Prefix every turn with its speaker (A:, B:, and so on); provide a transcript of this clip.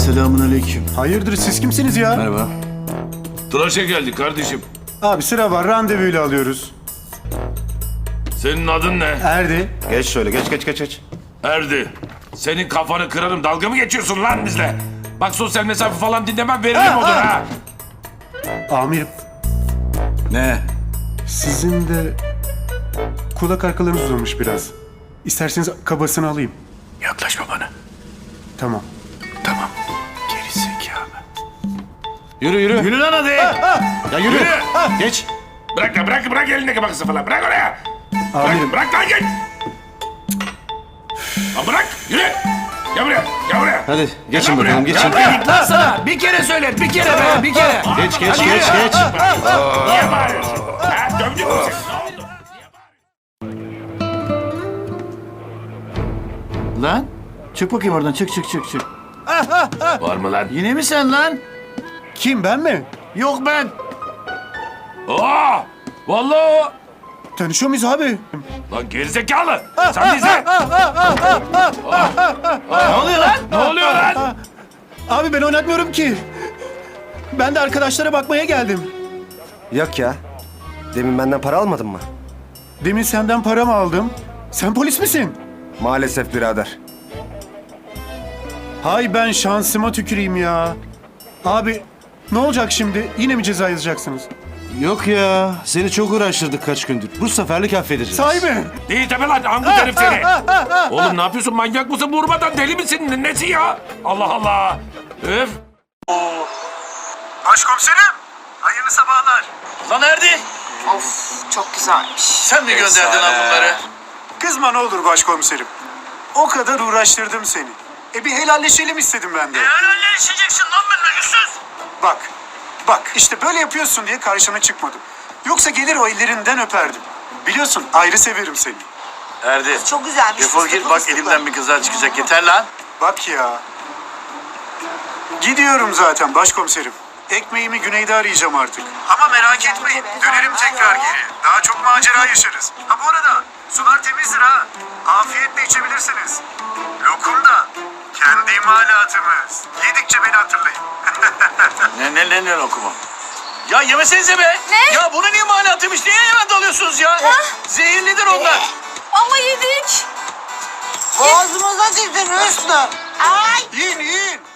A: Selamünaleyküm.
B: Hayırdır siz kimsiniz ya?
A: Merhaba.
C: Tıraşa geldik kardeşim.
B: Abi sıra var, randevuyla alıyoruz.
C: Senin adın ne?
B: Erdi.
A: Geç şöyle, geç.
C: Erdi. Senin kafanı kırarım. Dalga mı geçiyorsun lan bizle? Bak sosyal mesafe falan dinlemem, veririm odun ha.
B: Amirim,
A: Ne?
B: sizin de kulak arkalarınız uzamış biraz. İsterseniz kabasını alayım.
A: Yaklaşma bana.
B: Tamam.
A: Tamam. Geri zekalı. Yürü. Yürü lan hadi. Ya yürü. Geç.
C: Bırak elindeki bakısı falan. Bırak oraya.
B: Amirim,
C: Bırak lan git. Lan bırak, yürü. Gel buraya.
A: Hadi geçin
C: Gel lan
A: bakalım,
C: buraya.
A: geçin.
C: Gel buraya.
D: Lan sana bir kere söyle, bir kere be, bir kere.
A: Geç.
C: Niye bağırıyorsun? Ha, dövdük mü seni? Ne oldu?
A: Lan. Çık bakayım oradan, çık.
C: Var mı lan?
A: Yine mi sen lan?
B: kim, ben mi?
A: Yok ben.
C: Vallahi o.
B: Tanışıyor muyuz abi?
C: Lan gerizekalı. Sen bize.
A: Ne oluyor lan?
C: Ne oluyor lan?
B: Abi ben oynatmıyorum ki. Ben de arkadaşlara bakmaya geldim.
E: Yok ya. Demin benden para almadın mı?
B: Demin senden para mı aldım? Sen polis misin?
E: Maalesef birader.
B: Hay ben şansıma tüküreyim ya. Abi ne olacak şimdi? Yine mi ceza yazacaksınız?
A: Yok ya. Seni çok uğraştırdık kaç gündür. Bu seferlik affedeceğiz.
B: Sahi mi?
C: Değil tabi lan, angut herif seni. Oğlum ne yapıyorsun, manyak mısın, vurmadan deli misin, nesi ya? Allah Allah. Öf.
B: Başkomiserim, hayırlı sabahlar.
A: Lan Erdi.
F: Of çok güzelmiş.
A: Sen mi gönderdin lan bunları?
B: Kızma ne olur başkomiserim. O kadar uğraştırdım seni. Bir helalleşelim istedim ben de.
A: Helalleşeceksin lan benimle yüzsüz.
B: Bak işte böyle yapıyorsun diye karşına çıkmadım. Yoksa gelir o ellerinden öperdim. Biliyorsun ayrı severim seni.
A: Erdi.
F: Çok güzelmiş.
A: Defol git bak, elimden bir kızar çıkacak, yeter lan.
B: Bak ya. Gidiyorum zaten başkomiserim. Ekmeğimi güneyde arayacağım artık. Ama merak etmeyin. Dönerim tekrar geri. Daha çok macera yaşarız. Ha bu arada sular temizdir ha. Afiyetle içebilirsiniz. Lokum da kendi imalatımız. Yedikçe beni hatırlayın.
A: Ne lokumu? Ya yemesenize be.
F: Ne?
A: Ya bunun imalatıymış. Niye hemen dalıyorsunuz ya? Zehirlidir onlar.
F: Ama yedik.
E: Boğazımıza girdin Hüsnü.
F: Ay.
B: Yiyin.